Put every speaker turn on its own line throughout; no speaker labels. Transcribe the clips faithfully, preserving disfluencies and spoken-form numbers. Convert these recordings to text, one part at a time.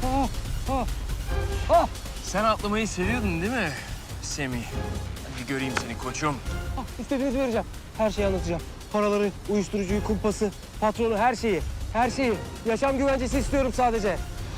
Ah, ah, ah,
Sen atlamayı seviyordun değil mi Semih? Hadi göreyim seni koçum.
ah. İstediğinizi vereceğim. Her şeyi anlatacağım. Paraları, uyuşturucuyu, kumpası, patronu, her şeyi. Her şeyi. Yaşam güvencesi istiyorum sadece.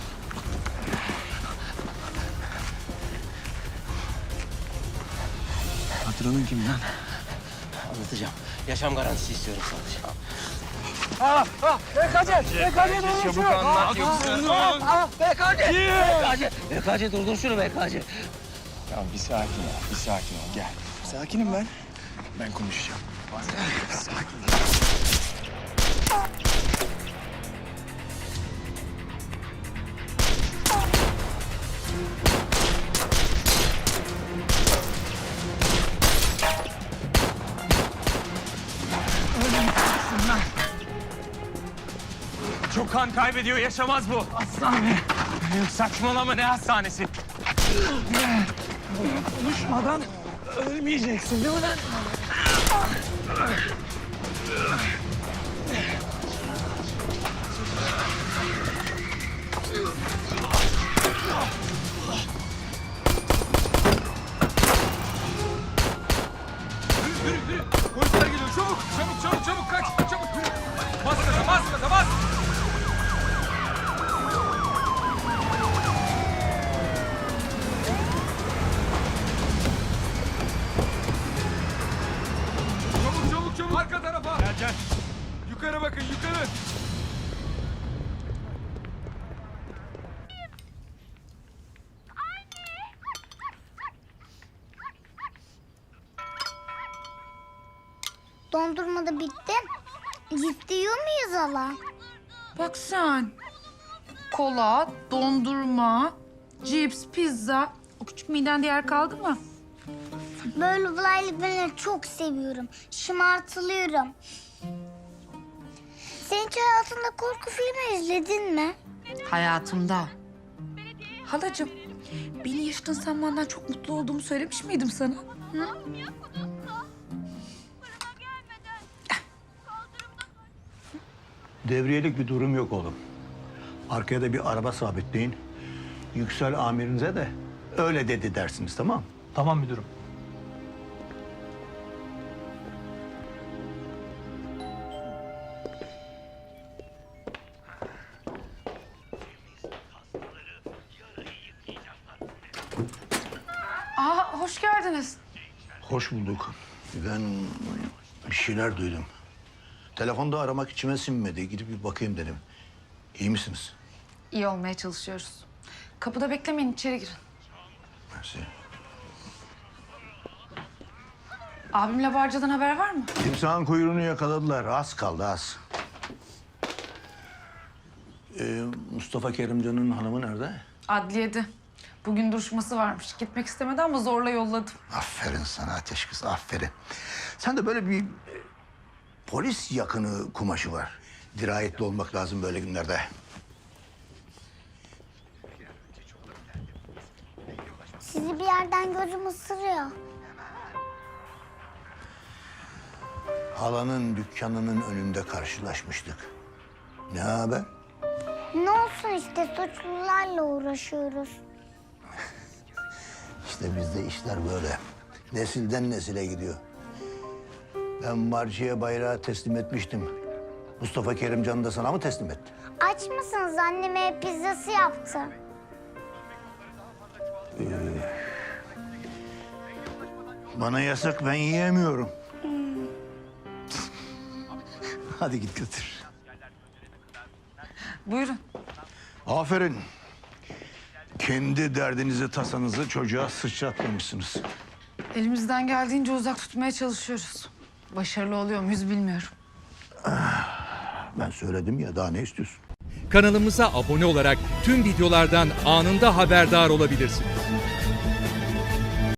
Patronun kim lan?
Anlatacağım. Yaşam garantisi istiyorum sadece.
Ah, ah, B K C, B K C durdur
Çabuk
şunu.
anlat yoksa.
Ah, ah, B K C.
B K C! B K C durdur şunu B K C.
Tamam bir sakin ol, bir sakin ol. Gel. Sakinim ben. Ben konuşacağım. Sakin. Çok kan kaybediyor, yaşamaz bu. Hastane. Yok saçmalama, ne hastanesi? Konuşmadan ölmeyeceksin değil mi lan?
Polisler geliyor. Çabuk, çabuk, çabuk, çabuk kaç. Çabuk. Bas gaza, bas gaza, bas. Çabuk, çabuk, çabuk. Arka tarafa. Gel, gel. Yukarı bakın, yukarı.
Dondurma da bitti. Gitti yiyor muyuz hala?
Bak sen. Kola, dondurma, cips, pizza. O küçük midende yer kaldı mı?
Böyle olaylı ben çok seviyorum. Şımartılıyorum. Sen hiç hayatında korku filmi izledin mi?
Hayatımda. Halacığım, beni yaşadığın sen benden çok mutlu olduğumu söylemiş miydim sana? Hı?
Devriyelik bir durum yok oğlum. Arkaya da bir araba sabitleyin. Yüksel amirinize de öyle dedi dersiniz, tamam mı?
Tamam müdürüm.
Aa, hoş geldiniz.
Hoş bulduk. Ben bir şeyler duydum. Telefonda aramak içime sinmedi. Gidip bir bakayım dedim. İyi misiniz?
İyi olmaya çalışıyoruz. Kapıda beklemeyin, içeri girin.
Mersi.
Abimle Barca'dan haber var mı?
Timsahın kuyruğunu yakaladılar. Az kaldı, az. Ee, Mustafa Kerimcan'ın hanımı nerede?
Adliyede. Bugün duruşması varmış. Gitmek istemedi ama zorla yolladım.
Aferin sana ateş kız, aferin. Sen de böyle bir e, polis yakını kumaşı var. Dirayetli olmak lazım böyle günlerde.
Sizi bir yerden gözüm ısırıyor.
Halanın dükkanının önünde karşılaşmıştık. Ne haber?
Ne olsun işte suçlularla uğraşıyoruz.
İşte bizde işler böyle. Nesilden nesile gidiyor. Ben Marci'ye bayrağı teslim etmiştim. Mustafa Kerimcan da sana mı teslim etti?
Aç mısınız? Anneme pizzası yaptı.
Bana yasak, ben yiyemiyorum. Hadi git götür.
Buyurun.
Aferin. Kendi derdinizi, tasanızı çocuğa sıçratmamışsınız.
Elimizden geldiğince uzak tutmaya çalışıyoruz. Başarılı oluyor muyuz bilmiyorum.
Ben söyledim ya, daha ne istiyorsun?
Kanalımıza abone olarak tüm videolardan anında haberdar olabilirsiniz.